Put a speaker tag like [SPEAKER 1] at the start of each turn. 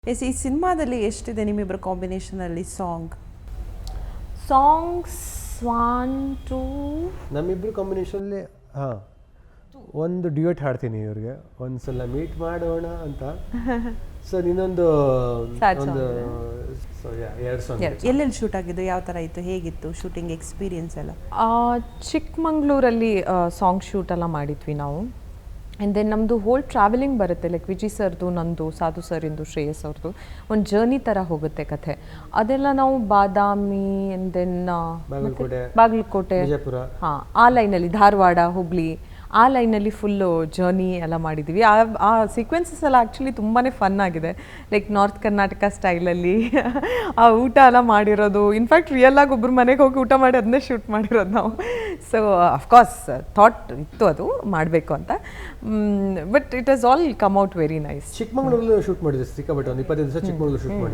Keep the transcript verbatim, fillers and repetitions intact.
[SPEAKER 1] S ಈ ಸಿನಿಮಾದಲ್ಲಿ ಎಷ್ಟಿದೆ ನಿಮ್ಮಿಬ್ಬರ ಕಾಂಬಿನೇಷನಲ್ಲಿ ಸಾಂಗ್
[SPEAKER 2] ಸಾಂಗ್ಸ್ ಒನ್ ಟೂ
[SPEAKER 3] ನಮ್ಮಿಬ್ರು ಕಾಂಬಿನೇಷನಲ್ಲಿ ಹಾಂ ಒಂದು ಡ್ಯೂಯೆಟ್ ಹಾಡ್ತೀನಿ ಇವ್ರಿಗೆ ಒಂದ್ಸಲ ಮೀಟ್ ಮಾಡೋಣ ಅಂತ ಸೊ ಇನ್ನೊಂದು ಒಂದು ಸೊ ಎರಡು ಸಾಂಗ್
[SPEAKER 1] ಎಲ್ಲೆಲ್ಲಿ ಶೂಟ್ ಆಗಿದ್ದು ಯಾವ ಥರ ಇತ್ತು ಹೇಗಿತ್ತು ಶೂಟಿಂಗ್ ಎಕ್ಸ್ಪೀರಿಯನ್ಸ್ ಎಲ್ಲ
[SPEAKER 2] ಚಿಕ್ಕಮಂಗ್ಳೂರಲ್ಲಿ ಸಾಂಗ್ ಶೂಟ್ ಎಲ್ಲ ಮಾಡಿದ್ವಿ ನಾವು ಆ್ಯಂಡ್ ದೆನ್ ನಮ್ಮದು ಹೋಲ್ ಟ್ರಾವೆಲಿಂಗ್ ಬರುತ್ತೆ ಲೈಕ್ ವಿಜಯ್ ಸರ್ದು ನಂದು ಸಾಧು ಸರಿಂದು ಶ್ರೇಯಸ್ ಅವ್ರದ್ದು ಒಂದು ಜರ್ನಿ ಥರ ಹೋಗುತ್ತೆ ಕಥೆ ಅದೆಲ್ಲ ನಾವು ಬಾದಾಮಿ ಆ್ಯಂಡ್ ದೆನ್
[SPEAKER 3] ಬಾಗಲಕೋಟೆ
[SPEAKER 2] ಬಾಗಲಕೋಟೆ
[SPEAKER 3] ವಿಜಯಪುರ
[SPEAKER 2] ಹಾಂ ಆ ಲೈನಲ್ಲಿ ಧಾರವಾಡ ಹುಬ್ಳಿ ಆ ಲೈನಲ್ಲಿ ಫುಲ್ಲು ಜರ್ನಿ ಎಲ್ಲ ಮಾಡಿದ್ದೀವಿ ಆ ಆ ಸೀಕ್ವೆನ್ಸಸ್ ಎಲ್ಲ ಆ್ಯಕ್ಚುಲಿ ತುಂಬಾ ಫನ್ ಆಗಿದೆ ಲೈಕ್ ನಾರ್ತ್ ಕರ್ನಾಟಕ ಸ್ಟೈಲಲ್ಲಿ ಆ ಊಟ ಎಲ್ಲ ಮಾಡಿರೋದು ಇನ್ಫ್ಯಾಕ್ಟ್ ರಿಯಲಾಗಿ ಒಬ್ಬರು ಮನೆಗೆ ಹೋಗಿ ಊಟ ಮಾಡಿ ಅದನ್ನೇ ಶೂಟ್ ಮಾಡಿರೋದು ನಾವು ಸೊ ಅಫ್ಕೋರ್ಸ್ ಥಾಟ್ ಇತ್ತು ಅದು ಮಾಡಬೇಕು ಅಂತ but it has all come out very nice
[SPEAKER 3] ಚಿಕ್ಕಮಂಗ್ಳೂರಲ್ಲಿ ಶೂಟ್ ಮಾಡಿದ್ದೆ ಸಿಕ್ಕಾಪಟ್ಟೆ ಒಂದು ಇಪ್ಪತ್ತೈದು ದಿವಸ ಚಿಕ್ಕಮಂಗ್ಳೂರು ಶೂಟ್ ಮಾಡಿ